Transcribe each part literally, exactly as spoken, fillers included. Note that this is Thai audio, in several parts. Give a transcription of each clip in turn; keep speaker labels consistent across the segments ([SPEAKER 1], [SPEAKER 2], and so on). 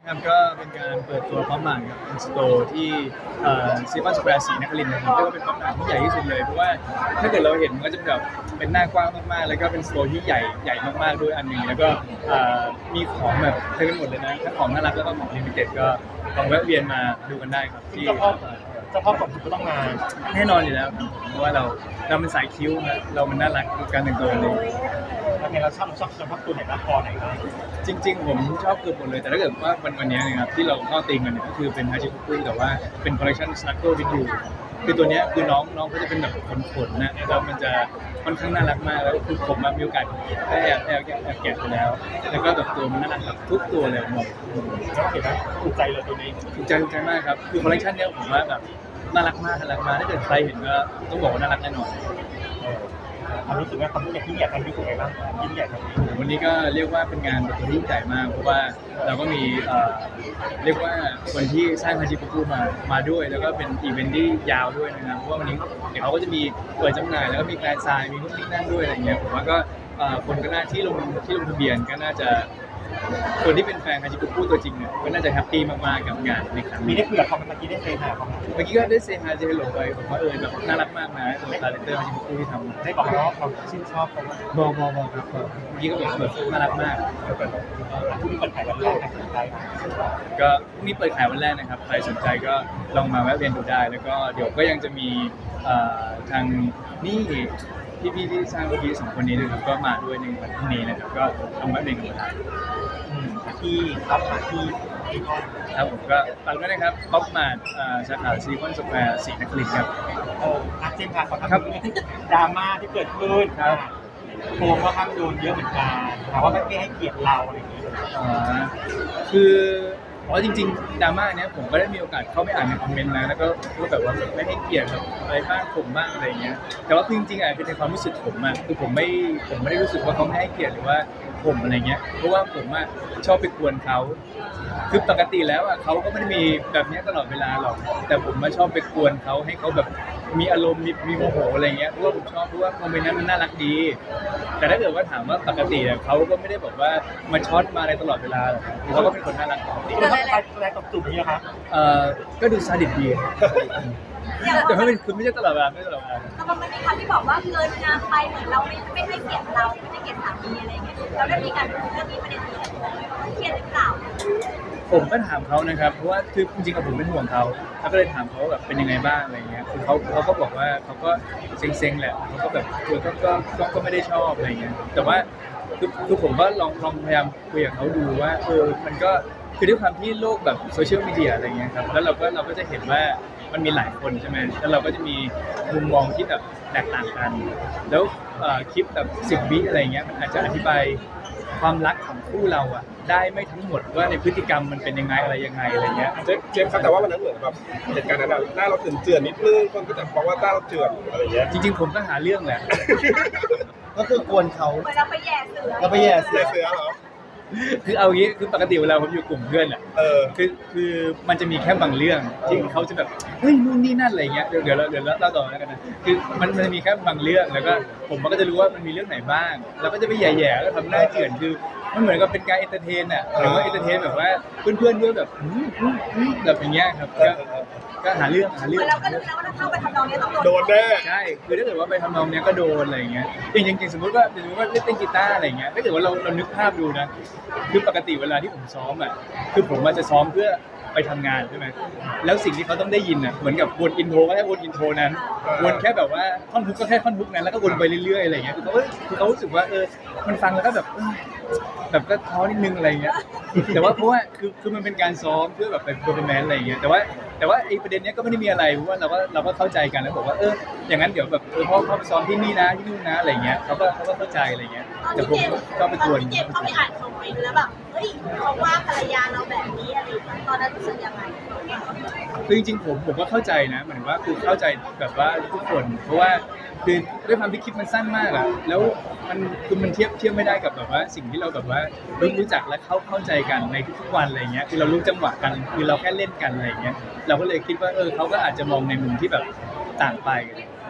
[SPEAKER 1] ครับก็เป็นการเปิดตัวพร้อมหมากกับเป็นสโตร์ที่ซีคอนสแควร์ศรีนครินทร์นะครับเรียกว่าเป็นพร้อมหมากที่ใหญ่ที่สุดเลยเพราะว่าถ้าเกิดเราเห็นมันก็จะแบบเป็นหน้ากว้างมากๆแล้วก็เป็นสโตร์ที่ใหญ่ใหญ่มากๆด้วยอันหนึ่งแล้วก็เอ่อมีของแบบเต็มไปหมดเลยนะทั้งของน่ารักแล้วก็ของลิมิเต็ดก็ลองแวะเวียนมาดูกันได้ครับที่
[SPEAKER 2] เจ้าพ่อเจ้าพ่อของคุณก็ต้องมา
[SPEAKER 1] แน่นอนอยู่แล้วครับเพราะว่าเราเราเป็นสายคิ้วนะเรามันน่ารักการแต่งตัวเลย
[SPEAKER 2] แล้วไงเราชอบชอบเฉพาะตัวไหนบ้างคอไหนบ้าง
[SPEAKER 1] จริงๆผมชอบเกือบหมดเลยแต่ถ้าเกิดว่าวันวันนี้นะครับที่เราเข้าตีมกันเนี่ยก็คือเป็นฮาชิคุกุแต่ว่าเป็นคอลเลคชันสนักเกิลวิดยูคือตัวเนี้ยคือน้องน้องเขาจะเป็นแบบขนๆนะแล้วมันจะค่อนข้างน่ารักมากแล้วคือผมมีโอกาสได้แอบแอบแอบแกะไปแล้วแล้วก็แบบตัวมันน่ารักแบบทุกตัวเลยผมบอก
[SPEAKER 2] แล้วเห็นไหมถูกใจเลยตัวนี้
[SPEAKER 1] ถูกใจถูกใจมากครับคือคอลเลคชันเนี้ยผมว่าแบบน่ารักมากน่ารักมากถ้าเกิดใครเห็นก็ต้องบอกว่าน่ารักแน่นอน
[SPEAKER 2] ความรู้สึกว่าความยิ่งใหญ่ที่ใหญ่ทำรู้สึกไงบ้างยิ่งใหญ่ทำ
[SPEAKER 1] วันนี้ก็เรียกว่าเป็นงานเปิดตัวที่ยิ่งใหญ่มากเพราะว่าเราก็มีเอ่อเรียกว่าคนที่สร้างฮาจิปุกุมามาด้วยแล้วก็เป็นอีเวนท์ที่ยาวด้วยนะครับเพราะว่าวันนี้เดี๋ยวเขาก็จะมีเปิดจำหน่ายแล้วก็มีแฟนไซน์มีนู่นนี่นั่นด้วยอะไรเงี้ยผมว่าก็เอ่อคนก็น่าที่ลงที่ลงทะเบียนก็น่าจะคนที่เป็นแฟนฮาจิปุกุตัวจริงเนี่ยก็น่าจะแฮปปี้มากๆกับงานในครั้ง
[SPEAKER 2] มี
[SPEAKER 1] นี้
[SPEAKER 2] ได้คุยกับเขาเมื่อกี้ได้เซฮาเขา
[SPEAKER 1] เมื่อกี้ก็ได้เซฮาเจฮัลโหลไปผมว่าเออแบบน่ารักมากนะตัวคาแรคเตอร์ฮาจิปุกุที่ทำ
[SPEAKER 2] ได้บอกเขาว่าเราชื่นชอบเขาว่า
[SPEAKER 1] บอกบอกบอกครับบอกเมื่อกี้ก็แบบแบบน่ารักมาก
[SPEAKER 2] ผู้ที่เปิดขายวันแรกสนใจ
[SPEAKER 1] ก็พรุ่งนี้เปิดขายวันแรกนะครับใครสนใจก็ลองมาแวะเวียนดูได้ แล้วก็เดี๋ยวก็ยังจะมีเอ่อทางนี่พี่พี่ๆที่สร้างพี่สองคนนี้นะครับก็มาด้วยในวันพรุ่งนี้นะครับก็ลองแวะเวียนกันมาได้
[SPEAKER 2] ที่รับมาที่ที่ห้อง
[SPEAKER 1] ครับผมก็ฝากด้วยนะครับป๊อปมาร์ทสาขาซีคอนสแควร์ศรีนครินทร์ครับ
[SPEAKER 2] เอออาเจนค่ะขอทำเรื่องดราม่าที่เกิดขึ้นโฟมก็ข้างโดนเยอะเหมือนกันถามว่าไม่ให้เกียรติเราอะไรอย่างเงี้ย
[SPEAKER 1] อ่าคืออ๋อจริงๆดราม่าเนี้ยผมก็ได้มีโอกาสเข้าไปอ่านในคอมเมนต์นะแล้วก็ก็แบบว่าไม่ให้เกียรติแบบอะไรบ้างผมบ้างอะไรเงี้ยแต่ว่าคือจริงๆอ่ะคือในความรู้สึกผมอ่ะคือผมไม่ผมไม่ได้รู้สึกว่าเขาไม่ให้เกียรติหรือว่าผมอะไรเงี้ยเพราะว่าผมอ่ะชอบไปกวนเขาคือปกติแล้วอ่ะเขาก็ไม่ได้มีแบบเนี้ยตลอดเวลาหรอกแต่ผมมาชอบไปกวนเขาให้เขาแบบมีอารมณ์มีมีโมโหอะไรเงี้ยเพราะว่าผมชอบเพราะว่าโมเมนต์นั้นมันน่ารักดี แต่ถ้าเกิดว่าถามว่าปกติเนี่ยเขาก็ไม่ได้แบบว่ามาช็อตมาอะไรตลอดเวลาหรอกเขาก็เป็นคนน่ารักปกติ
[SPEAKER 2] ที่เราไปแสดงตบจูบนี้นะคะ
[SPEAKER 1] เอ่อก็ดูซาดิสดีแต่ไม่เป็นคือไม่ใช่ตลอดเวลาไม่ใช่ตลอดเวลา
[SPEAKER 3] แต่มันมีคำที่บอกว่าเกินงามไปเหมือนเราไม่ไม่ให้เกียรติเราไม่ให้เกียรติสามีอะไรเงี้ยเราได้มีการพูดเรื่องนี้ประเด็นนี้เครียดหรือเปล่า
[SPEAKER 1] ผมก็ถามเขานะครับเพราะว่าคือจริงๆกับผมเป็นห่วงเขาแล้วก็เลยถามเขาว่าแบบเป็นยังไงบ้างอะไรเงี้ยคือเขาเขาก็บอกว่าเขาก็เซ็งๆแหละเขาก็แบบคือก็ก็ก็ก็ไม่ได้ชอบอะไรเงี้ยแต่ว่าคือคือผมก็ลองลองพยายามคุยกับเขาดูว่าเออมันก็คือด้วยความที่โลกแบบโซเชียลมีเดียอะไรเงี้ยครับแล้วเราก็เราก็จะเห็นว่ามันมีหลายคนใช่ไหมแล้วเราก็จะมีมุมมองที่แบบแตกต่างกัน แล้วเอ่อคลิปแบบสิบวิอะไรเงี้ยมันอาจจะอธิบายความรักของคู่เราอะได้ไม่ทั้งหมดว่าในพฤติกรรมมันเป็นยังไงอะไรยังไงอะไรเงี้ย
[SPEAKER 4] เจฟเจฟครับแต่ว่าวันนั้นเหมือนแบบเหตุการณ์นั้นอะหน้าเราเจือนๆนิดนึงคนก็จะบอกว่าหน้าเราเจือนอะไรอย่างเงี้ย
[SPEAKER 1] จริงๆผมก็หาเรื่องแหละ
[SPEAKER 5] ก็คือกวนเขา
[SPEAKER 3] เหมือนเราไปแย่เสือ
[SPEAKER 5] เราไปแย่
[SPEAKER 4] เสือเสือเหรอ
[SPEAKER 1] คือเอางี้คือปกติเวลาผมอยู่กลุ่มเพื่อนอ่ะ
[SPEAKER 4] เออ
[SPEAKER 1] คือคือมันจะมีแค่บางเรื่องที่เขาจะแบบเฮ้ยนู่นนี่นั่นอะไรเงี้ยเดี๋ยวเดี๋ยวเราเดี๋ยวเราเล่าต่อแล้วกันนะคือมันมันจะมีแค่บางเรื่องแล้วก็ผมก็จะรู้ว่ามันมีเรื่องไหนบ้างเราก็จะไปแย่ๆแล้วทำหน้าเจือนคือมันเหมือนกับเป็นการเอนเตอร์เทนอ่ะหรือว่าเอนเตอร์เทนแบบว่าเพื่อนๆด้วยแบบอืมอืมอืมแบบอย่างเงี้ยครับก็ก็หาเรื่องหา
[SPEAKER 3] เห
[SPEAKER 1] เรื่
[SPEAKER 3] มื
[SPEAKER 1] อ
[SPEAKER 3] อง นเราก็รู้แล้วว่าถ้าเข้าไปทำนองนี้ต้องโดน
[SPEAKER 4] โดนแน่
[SPEAKER 1] ใช่ คือถ้าเกิดว่าไปทำนองเนี้ยก็โดนอะไรอย่างเงี้ยจริงจริงๆสมมติว่าสมมติว่าเล่นเต้นกีตาร์อะไรอย่างเงี้ย ถ้าเกิดว่าเราเรานึกภาพดูนะ คือปกติเวลาที่ผมซ้อมอ่ะ คือผมอาจจะซ้อมเพื่อไปทำงานใช่ไหม แล้วสิ่งที่เขาต้องได้ยินอ่ะ เหมือนกับวนอินโทรก็แค่วนอินโทรนั้น วนแค่แบบว่าท่อนฮุกก็แค่ท่อนฮุกนั้น แล้วก็วนไปเรื่อยๆอะไรอย่างเงี้ย คือเขาคือเขารู้สึกว่าเออ มันฟังแล้วก็แบบเออแบบก็ท้อนิดนึงอะไรอย่างเงี้ย แต่ว่าเพราะว่าคือคือมันเป็นการซ้อมเพื่อแบบเป็นเพอร์ฟอร์แมนซ์อะไรอย่างเงี้ย แต่ว่าแต่ว่าไอ้ประเด็นเนี้ยก็ไม่ได้มีอะไรเพราะว่าเราก็เราก็เข้าใจกันแล้วบอกว่าเอออย่างนั้นเดี๋ยวแบบเออพ่อเข้าไปซ้อมที่นี่นะที่นู่นนะอะไรอย่างเงี้ยเขาก็เขาก็เข้าใจอะไรอย่างเงี้ย
[SPEAKER 3] ตอน
[SPEAKER 1] แต่
[SPEAKER 3] ที่
[SPEAKER 1] ผม
[SPEAKER 3] เจม
[SPEAKER 1] ก็ไป
[SPEAKER 3] ต
[SPEAKER 1] ก
[SPEAKER 3] อ
[SPEAKER 1] วน น
[SPEAKER 3] ที่เจมเข้าไปอ่านคอมเมนต์แล้วแบบเฮ้ยเขาว่าภรรยาเราแบบนี้อะไรอย่างเงี้ยตอนนั้นรู้สึกยังไง
[SPEAKER 1] คือจริงๆผมผมก็เข้าใจนะหมายถึงว่าคือเข้าใจแบบว่าทุกคนเพราะว่าคือด้วยความที่คลิปมันสั้นมากอะแล้วมันคือมันเทียบเทียบไม่ได้กับแบบว่าสิ่งที่เราแบบว่ารู้รู้จักและเข้าเข้าใจกันในทุกๆวันอะไรเงี้ยคือเรารู้จังหวะกันคือเราแค่เล่นกันอะไรเงี้ยเราก็เลยคิดว่าเออเขาก็อาจจะมองในมุมที่แบบต่างไป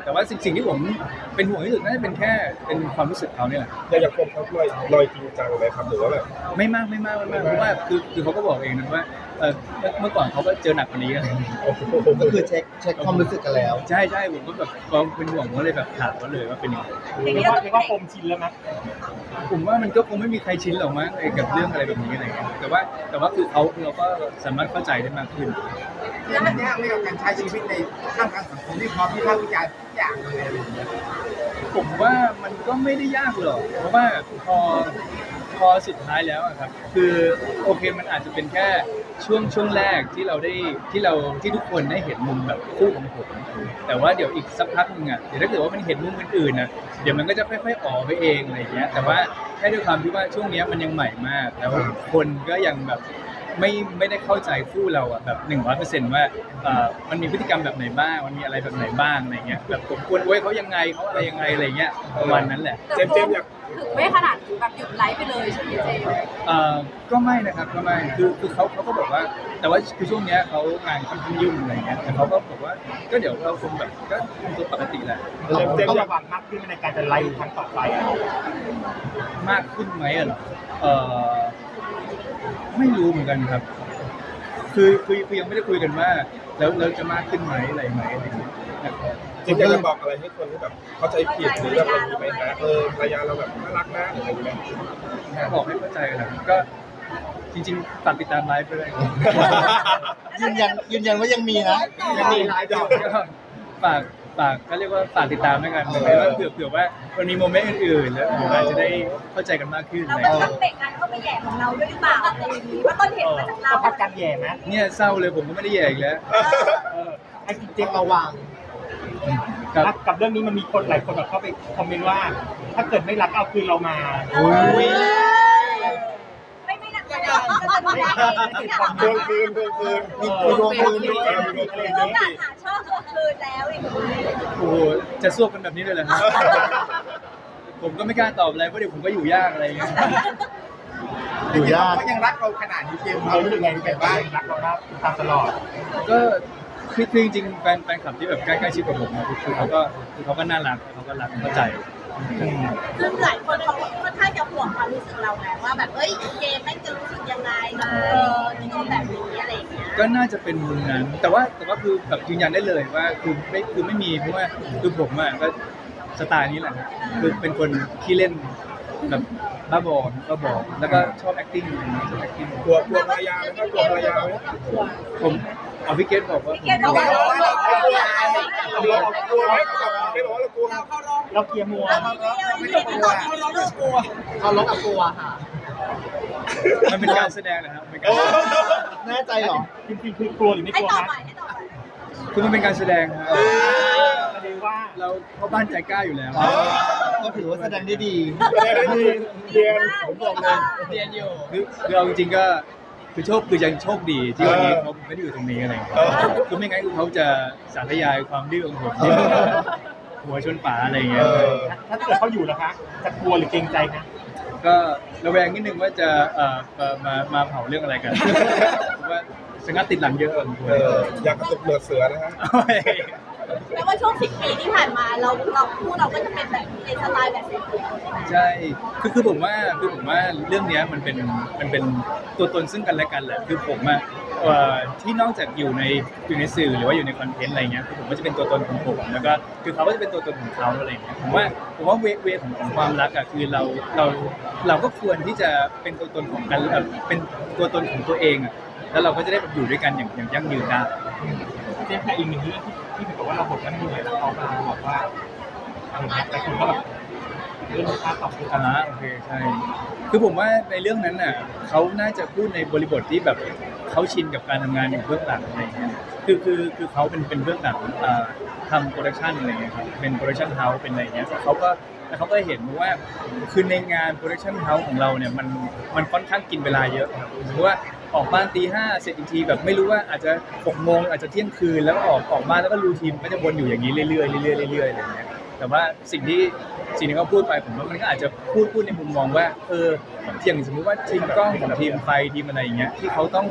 [SPEAKER 1] แต่ว่าสิ่งสิ่งที่ผมเป็นห่วงที่สุดน่าจะเป็นแค่เป็นความรู้สึกเขาเนี่ยแหละ
[SPEAKER 4] แต่อย่างผมเขาลอยลอยจริงจังเลยครับหรือว่าแบบ
[SPEAKER 1] ไม่มากไม่มากไม่มากเพราะว่าคือคือเขาก็บอกเองนะว่าเออเมื่อเมื่อก่อนเขาก็เจอหนักกว่านี้อะไรอย่างเงี้ย
[SPEAKER 5] ก็คือเช็คเช็คความรู้สึกกันแล้ว
[SPEAKER 1] ใช่ใช่ผมก็แบบความเป็นห่วงผมก็เลยแบบถามเขาเลยว่าเป็นยังไง
[SPEAKER 2] เรียกว่าเรียกว่าโฟมชินแล้วมั้ย
[SPEAKER 1] ผมว่ามันก็คงไม่มีใครชินหรอกมั้งไอ้กับเรื่องอะไรแบบนี้อะไรเงี้ยแต่ว่าแต่ว่าคือเขาเราก็สามารถเข้าใจได้มากขึ้น
[SPEAKER 6] แล้วมันยากไหมกับการใช้ชีวิตในท่ามกลางสังคมที่พร้อมที่ภาควิจารณ์ทุกอย่างเลยอะไรอย่างเงี้ย
[SPEAKER 1] ผมว่ามันก็ไม่ได้ยากหรอกเพราะว่าพอพอสุดท้ายแล้วอะครับคือโอเคมันอาจจะเป็นแค่ช่วงช่วงแรกที่เราได้ที่เราที่ทุกคนได้เห็นมุมแบบคู่ของผมแต่ว่าเดี๋ยวอีกสักพักหนึงอ่ะเดี๋ยวถ้าเกิดว่ามันเห็นมุมอื่นๆนะเดี๋ยวมันก็จะค่อยๆออกไปเองอะไรอย่างเงี้ยแต่ว่าแค่ด้วยความที่ว่าช่วงเนี้ยมันยังใหม่มากแล้วคนก็ยังแบบไม่ไม่ได้เข้าใจคู่เราอ่ะแบบหนึ่งร้อยเปอร์เซ็นต์ว่าเอ่อมันมีพฤติกรรมแบบไหนบ้างมันมีอะไรแบบไหนบ้างอะไรเงี้ยแบบผมควรไว้เขายังไงเขาอะไรยังไงอะไรเงี้ยประมาณนั้นแหละ
[SPEAKER 4] เจมส์เจมส์อยาก
[SPEAKER 3] ถึงไม่ขนาดแบบหยุดไลฟ์ไปเลยใช่ไหมเจมส์
[SPEAKER 1] เอ่อก็ไม่นะครับก็ไม่คือคือเขาเขาก็บอกว่า แต่ว่าคือช่วงเนี้ยเขางานค่อนข้างยุ่งอะไรเงี้ยแต่เขาก็บอกว่าก็เดี๋ยวเราคงแบบก็คงตัวปกติแหละ
[SPEAKER 2] เจมส์เจมส์ระวังมากขึ้นในการจะไล่ครั้งต่อไปอ่ะ
[SPEAKER 1] มากขึ้นไหมอะเหรอเออไม่รู้เหมือนกันครับ คือคือคือยังไม่ได้คุยกันว่า แล้วแล้วจะมากขึ้นไหมอะไรไหมอะไรอย่างเงี้ยนะครับ
[SPEAKER 4] เจมส์อยากจะบอกอะไรให้คนที่แบบเข้าใจผิดหรือแบบอะไรนี้ไหมนะเออภรรยาเราแบบน่ารักนะอะไรอย่างเงี้ย
[SPEAKER 1] บอกให้เข้าใจกันนะครับก็จริงๆฝากติดตามไลฟ์ไปด้วย
[SPEAKER 5] ยืนยันยืนยันว่ายังมีนะ
[SPEAKER 4] ยังมีไลฟ์อยู่
[SPEAKER 1] ก็ฝากฝากก็เรียกว่าฝากติดตามด้วยกันเลยว่าเผื่อเผื่อว่ามันมีโมเมนต์อื่นๆแล้วเดี๋ยวเราจะได้เข้าใจกันมากขึ้น
[SPEAKER 3] เรา
[SPEAKER 1] อะไร
[SPEAKER 3] ก็
[SPEAKER 1] อย่าง
[SPEAKER 3] ต้
[SPEAKER 1] เงี้
[SPEAKER 3] อย งเบ่งการเข้าไปแย่ของเราด้วยหรือเปล่าอะไรอย่างนี้ว่าต้นเหตุมาจากเรา
[SPEAKER 2] ก็พักการแย่ไหม
[SPEAKER 1] เนี่ยเศร้าเลยผมก็ไม่ได้แย่อีกแล้ว
[SPEAKER 2] เออไอ้เจ
[SPEAKER 5] เช็
[SPEAKER 2] ม
[SPEAKER 5] ค
[SPEAKER 2] ส์
[SPEAKER 5] ระวัง
[SPEAKER 1] ครับ
[SPEAKER 2] กับเรื่องนี้มันมีคนหลายคนแบบเข้าไปคอมเมนต์ว่า ถ้าเกิดไม่รักเอาคืนเรามา
[SPEAKER 1] อุ๊ย
[SPEAKER 3] ไม่ไม่หนักไม่หนักก็ต้องได้ไม่หนัก
[SPEAKER 4] ทวงคืนทวงคืน
[SPEAKER 5] มีมีดวงคืนด้วย
[SPEAKER 3] คือต้องการหาช่องทวงคืนแล้วอย่างนี้
[SPEAKER 1] โอ้โหจะสู้กันแบบนี้เลยเหรอครับ ผมก็ไม่กล้าตอบอะไรเพราะเดี๋ยวผมก็อยู่ยากอะไรอย่างเงี้ย
[SPEAKER 5] อยู่ยาก
[SPEAKER 6] เขายังรักเราขนาดนี้เจมส์
[SPEAKER 2] เรารู้สึกไงที่แบบว่ารักเราครับตามตลอด
[SPEAKER 1] ก็คือคือจริงๆแฟนแฟนคลับที่แบบใกล้ๆชิดกับผมนะคือคือเขาก็คือเขาก็น่ารักเขาก็รักเข้าใจ
[SPEAKER 3] คือหลายคนเขาค่อนข้างจะห่วงความรู้สึกเราไงว่าแบบเอ้ยเจมไม่จะรู้สึกยังไงกับเออที่โดนแบบนี้อะไรอย่างเงี้ย
[SPEAKER 1] ก็น่าจะเป็นมุมนั้น แต่ว่าแต่ว่าคือแบบยืนยันได้เลยว่าคือไม่คือไม่มีเพราะว่าคือผมอ่ะก็สไตล์นี้แหละครับคือเป็นคนขี้เล่นแบบบ้าบอบ้าบอแล้วก็ชอบ acting ชอบ acting
[SPEAKER 4] กลัวกลัวภรรยาไหมครับกลัวภรรยาไหม
[SPEAKER 1] ผมเอาพี่เกตบอกว่าผม
[SPEAKER 3] พี่เกดบอกว่าเราเราเราเรา
[SPEAKER 4] เรากลัวไหมไม่บอกว่าเรากลัว
[SPEAKER 2] เราเกียร์มัว
[SPEAKER 3] เราไม่ได้เราไม่ได้ตอบเราเรากลัว
[SPEAKER 5] เขาลบกับกลัวค่ะ
[SPEAKER 1] มันเป็นการแสดงนะครับเป็นการ
[SPEAKER 5] แน่ใจเหรอ
[SPEAKER 2] จริงๆคือกลัวหรือไม่
[SPEAKER 3] ให้
[SPEAKER 2] กลัว
[SPEAKER 3] ตอบ
[SPEAKER 2] นะ
[SPEAKER 3] ใหม่ให้ตอบใหม่
[SPEAKER 1] คือมันเป็นการแสดงครับ
[SPEAKER 2] แสดงว่า
[SPEAKER 1] เราเข้าบ้านใจกล้าอยู่แล้ว
[SPEAKER 5] ก็ถือว่าแสดงได้ดี
[SPEAKER 4] เรียน
[SPEAKER 3] ผมบอกเลย
[SPEAKER 1] เรียนอยู่คือคือเอาจริงๆก็คือโชคคือยังโชคดีที่วันนี้เขาไม่ได้อยู่ตรงนี้อะไรอย่างเงี้ยคือไม่งั้นเขาจะสาธยายความดื้อของผมที่หัวชนฝาอะไรอย่างเงี้ย
[SPEAKER 2] ถ้าเกิดเขาอยู่นะคะ จะกลัวหรือเกรงใจนะ
[SPEAKER 1] ก็ระแวงนิดนึงว่าจะเอ่อเอ่อมามาเผาเรื่องอะไรกันเพราะว่าสงัดติดหลังเยอะกว่าผม
[SPEAKER 4] เอออยากกระตุกเหนือเสือนะฮะ
[SPEAKER 3] แปลว่าช่วงสิบปีที่ผ่านมาเราเราคู่เราก็จะเป็นแบบในสไตล์แบบนี้ใช่ไหม
[SPEAKER 1] ใช่คือคือผมว่าคือผมว่าเรื่องเนี้ยมันเป็นมันเป็นตัวตนซึ่งกันและกันแหละคือผมอะเอ่อที่นอกจากอยู่ในอยู่ในสื่อหรือว่าอยู่ในคอนเทนต์อะไรเงี้ยคือผมก็จะเป็นตัวตนของผมแล้วก็คือเขาก็จะเป็นตัวตนของเขาอะไรเงี้ยผมว่าผมว่าเวเวของของความรักอะคือเราเราเราก็ควรที่จะเป็นตัวตนของกันเอ่อเป็นตัวตนของตัวเองอะแล้วเราก็จะได้แบบอยู่ด้วยกันอย่างอย่างยั่งยืนได้
[SPEAKER 2] เจมส์แต่อีกหนึ่งเรื่องที่ที่บอกว่าเราบทนั้นเหนื่อยแล้วเขามาบอกว่าอะไรนะแต่คุณก็แบบเรื่องค่าตอบคือ
[SPEAKER 1] อ่าโอเคใช่คือผมว่าในเรื่องนั้นน่ะเขาน่าจะพูดในบริบทที่แบบเขาชินกับการทำงานอยู่เบื้องหลังอะไรอย่างเงี้ยคือคือคือเขาเป็นเป็นเบื้องหลังอ่าทำโปรดักชันอะไรเงี้ยครับเป็นโปรดักชันเฮาส์เป็นอะไรเงี้ยเขาก็แล้วเขาก็เห็นว่าคือในงานโปรดักชันเฮาส์ของเราเนี่ยมันมันค่อนข้างกินเวลาเยอะครับสมมติว่าออกบ้านตีห้าเสร็จอีกทีแบบไม่รู้ว่าอาจจะหกโมงอาจจะเที่ยงคืนแล้วก็ออกออกบ้านแล้วก็รูทีนก็จะวนอยู่อย่างนี้เรื่อยๆเรื่อยๆเรื่อยๆอะไรอย่างเงี้ยแต่ว่าสิ่งที่สิ่งที่เขาพูดไปผมว่ามันก็อาจจะพูดพูดในมุมมองว่าเอออย่างสมมุติว่าทีมกล้องของทีมไฟทีมอะไรอย่างเงี้ยที่เขาต้อง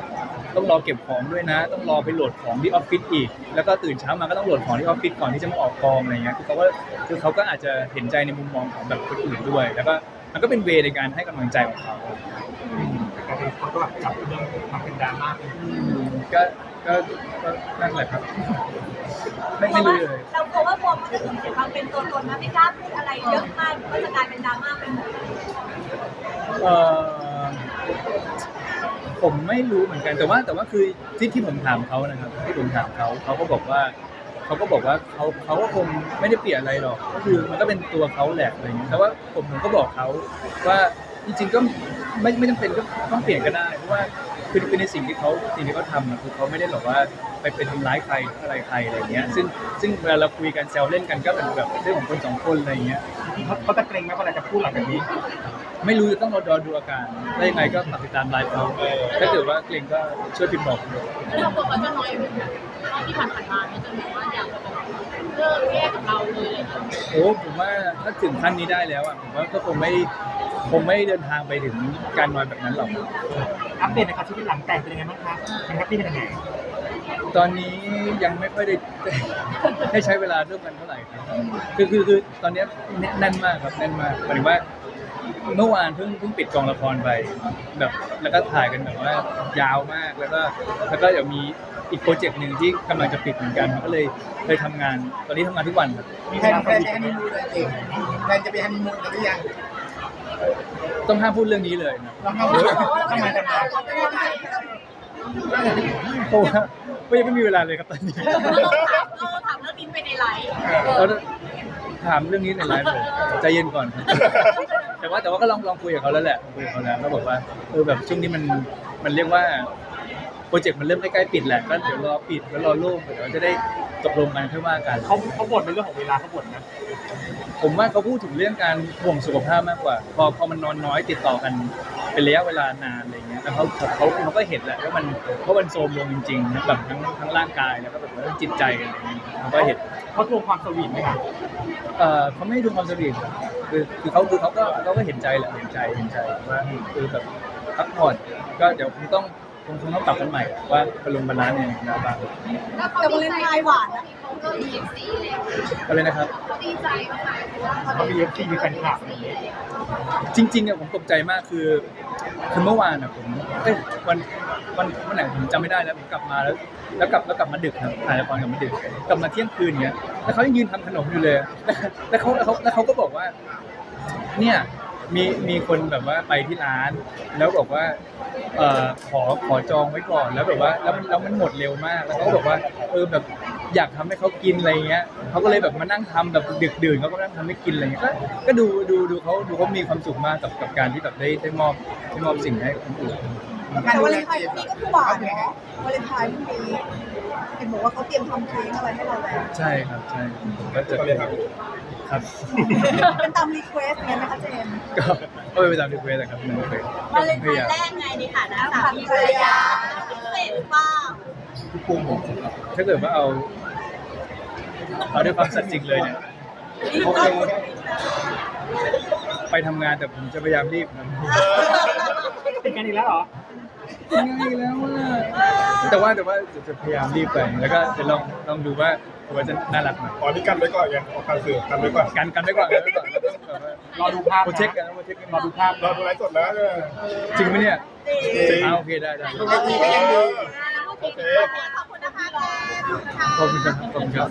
[SPEAKER 1] ต้องรอเก็บของด้วยนะ ต้องรอไปโหลดของที่ออฟฟิศอีกแล้วก็ตื่นเช้ามาก็ต้องโหลดของที่ออฟฟิศก่อนที่จะมาออกกองอะไรเงี้ยคือเขาก็คือเขาก็อาจจะเห็นใจในมุมมองของแบบคนอื่นด้วย แล้วก็มันก็เป็นเวในการให้กำลังใจของเขา
[SPEAKER 2] แต่เป็นคนก็แบบจับเรื่องมาเป็นดราม่าเป็น
[SPEAKER 1] อืมก็ก็ก็นั่นแหละครับ ไม่
[SPEAKER 3] เพ
[SPEAKER 1] ไม่
[SPEAKER 3] ราะว่า
[SPEAKER 1] รู้เลย
[SPEAKER 3] เรากลัวว่าโฟมมันจะสูญเสียความเป็นตัวตนนะไม่กล้าพูดอะไรเยอะมากก็จะกลายเป็นดราม่าไปหมด
[SPEAKER 1] เออผมไม่รู้เหมือนกันแต่ว่าแต่ว่าคือที่ที่ผมถามเขานะครับที่ผมถามเขาเขาก็บอกว่าเขาก็บอกว่าเขาเขาก็คงไม่ได้เปลี่ยนอะไรหรอกก็คือมันก็เป็นตัวเขาแหละอะไรอย่างเงี้ยแต่ว่าผมผมก็บอกเขาว่าจริงๆก็ไม่ไม่จำเป็นก็ต้องเปลี่ยนก็ได้เพราะว่าคือคือในสิ่งที่เขาสิ่งที่เขาทำอะคือเขาไม่ได้หรอกว่าไปไปทำร้ายใครอะไรใครอะไรอย่างเงี้ยซึ่งซึ่งเวลาเราคุยกันแซวเล่นกันก็เป็นแบบเรื่องของคนสองคนอะไรอย่างเงี้ย
[SPEAKER 2] เขาเขาจะเกรงไหมเวลาจะพูดหลังจากนี้
[SPEAKER 1] ไม่รู้จะต้องรอดูอาการได้ยังไงก็ฝากติดตามไลฟ์เขาถ้าเกิดว่าเกรงก็ช่วยพิมพ์บอกด้วย
[SPEAKER 7] แล้วเราบอกว่าจะน้อยเหมือนกันรอบที่ผ่านๆมาเนี่ยจะแบบว่าอยากจะแบบเลิกแยกกับเราเลยอะไรอย่างเงี้ย
[SPEAKER 1] โอ้ผมว่าถ้าถึงขั้นนี้ได้แล้วอ่ะผมว่าก็คงไม่คงไม่เดินทางไปถึงการนอนแบบนั้นหรอก
[SPEAKER 2] อัปเดตนะครับชีวิตหลังแต่งเป็นยังไงบ้างคะเป็นแฮปปี้เป็นยังไง
[SPEAKER 1] ตอนนี้ยังไม่ค่อยได้ ได้ใช้เวลาร่วมกันเท่าไหร่ครับคือคือคือตอนนี้แน่นมากครับแน่นมากหมายถึงว่าเมื่อวานเพิ่งเพิ่งปิดกองละครไปแบบแล้วก็ถ่ายกันแบบว่ายาวมากแล้วก็แล้วก็เดี๋ยวมีอีกโปรเจกต์หนึ่งที่กำลังจะปิดเหมือนกันก็เลยเลยทำงานตอนนี้ทำงานทุกวันครับ
[SPEAKER 2] มี
[SPEAKER 6] แพ
[SPEAKER 2] เวน ลา
[SPEAKER 6] แพ
[SPEAKER 2] ส
[SPEAKER 6] น
[SPEAKER 2] วีท
[SPEAKER 6] จะฮันนีมูนเลยจริงแพนจะไปฮันนีมูนกันหรือยัง
[SPEAKER 1] ต้องห้ามพูดเรื่องนี้เลยนะ
[SPEAKER 6] เราเข้า
[SPEAKER 2] ทำไมทำไม
[SPEAKER 1] เพราะว่าก็ยังไม่มีเวลาเลยครับตอนนี้
[SPEAKER 3] เราถามเรื่องบินไปในไลฟ์
[SPEAKER 1] เราถามเรื่องนี้ในไลฟ์เลยใจเย็นก่อนครับแต่ว่าแต่ว่าก็ลองลองคุยกับเขาแล้วแหละคุยกับเขาแล้วก็บอกว่าเออแบบช่วงนี้มันมันเรียกว่าโปรเจกต์มันเริ่มใกล้ๆปิดแหละก็เดี๋ยวรอปิดแล้วรอโล่งเดี๋ยวจะได้ตกลงกันค่อยว่ากัน
[SPEAKER 2] เขาเขาบ่นเป็นเรื่องของเวลาเขาบ่นนะ
[SPEAKER 1] ผมว่าเขาพูดถึงเรื่องการห่วงสุขภาพมากกว่า พอพอมันนอนน้อยติดต่อกันเป็นระยะเวลานานอะไรเงี้ยแล้วเขาเขาเขาก็เห็นแหละว่ามันเพราะมันโทรมลงจริงๆนะแบบทั้งทั้งร่างกายแล้วก็แบบเรื่องจิตใจอะไรเงี้ยเขาก็เห็น
[SPEAKER 2] เขาทวงความสวีทไหมคะ
[SPEAKER 1] เอ่อเขาไม่ได้ดูความสวีทครับคือคือเขาคือเขาก็เขาก็เห็นใจแหละเห็นใจเห็นใจว่าคือแบบพักผ่อนก็เดี๋ยวคงต้องคงคงต้องปรับกันใหม่ว่าบอลลงบาลานซ์เนี่ยนะบ้าง
[SPEAKER 3] แต่วาเลนไทน์หวานนะ
[SPEAKER 7] เขาเลิกเอฟซีแล้ว
[SPEAKER 1] อะไรนะครับ
[SPEAKER 7] เขาดีใจมากๆเพราะว่าเขา
[SPEAKER 2] เขามีเอฟซีมีแฟนคลับอะไรอย่างเงี้ย
[SPEAKER 1] จริงๆอะผมตกใจมากคือคือเมื่อวานอะผมเอ้ยวันวันวันไหนผมจำไม่ได้แล้วผมกลับมาแล้ว แล้วกลับแล้วกลับมาดึกครับถ่ายละครกลับมาดึกกลับมาเที่ยงคืนเงี้ยแล้วเขายังยืนทำขนมอยู่เลยแล้วเขาแล้วเขาแล้วเขาก็บอกว่า เนี่ยมีมีคนแบบว่าไปที่ร้าน แล้วบอกว่าเอ่อขอขอจองไว้ก่อนแล้วแบบว่าแล้วมันแล้วมันหมดเร็วมากแล้วเขาก็บอกว่าเออแบบอยากทำให้เขากินอะไรเงี้ยเขาก็เลยแบบมานั่งทำแบบดึกดื่นเขาก็นั่งทำให้กินอะไรเงี้ยก็ก็ดูดูดูเขาดูเขามีความสุขมากกับกับการที่แบบได้ได้มอบได้มอบสิ่งให้คนอื่น
[SPEAKER 3] แต่วาเลนไทน์พรุ่งนี้ก็คือหวานเนาะวาเลนไทน์พรุ่งนี้เห็นบอกว่าเขาเตรียมทำเค้กอะไรให้เราแล้ว
[SPEAKER 1] ใช่ครับใช่ผมก็จะ
[SPEAKER 4] ตอนนี้ครับ
[SPEAKER 1] ครับ
[SPEAKER 3] เป็นตามรีเควสไงไหมคะเจมส์
[SPEAKER 1] ก็ก็ไปตามรีเควสแหละครับไม่เคยว
[SPEAKER 3] าเลนไทน์แรกไงในฐานะสามีภรรยาพิเศษหรือเปล่า
[SPEAKER 1] ถ้าเกิดว่าเอาเอาด้วยความสัตย์จริงเลยเนี่ยโอเคไปทำงานแต่ผมจะพยายามรีบนะ
[SPEAKER 2] ติดกันอีกแล้วเหรอ
[SPEAKER 1] ง่ายแล้วว่าแต่ว่าแต่ว่าจะพยายามรีบไปแล้วก็จะลองลองดูว่าว่าจะน่ารักไหม
[SPEAKER 4] อ๋อนี่กันไว้ก่อนไงออกการสื่อกันไว้ก่อน
[SPEAKER 1] กันกันไว้ก่อนกันไว้ก่อนแล้วต้องแบบว่าร
[SPEAKER 2] อดูภาพ
[SPEAKER 1] โปรเช็คกันนะโปรเช็คกัน
[SPEAKER 2] รอดูภาพ
[SPEAKER 4] เราดูไลฟ์สดแล้วเนี่ย
[SPEAKER 1] จริงไหมเนี่ย
[SPEAKER 4] จริง
[SPEAKER 1] อ่าโอเคได้ได้
[SPEAKER 4] ปกติก็ยังดู
[SPEAKER 3] โอเคขอบคุณนะคะแม่ขอบคุณนะคะ
[SPEAKER 1] ขอบคุณครับขอบคุณครับ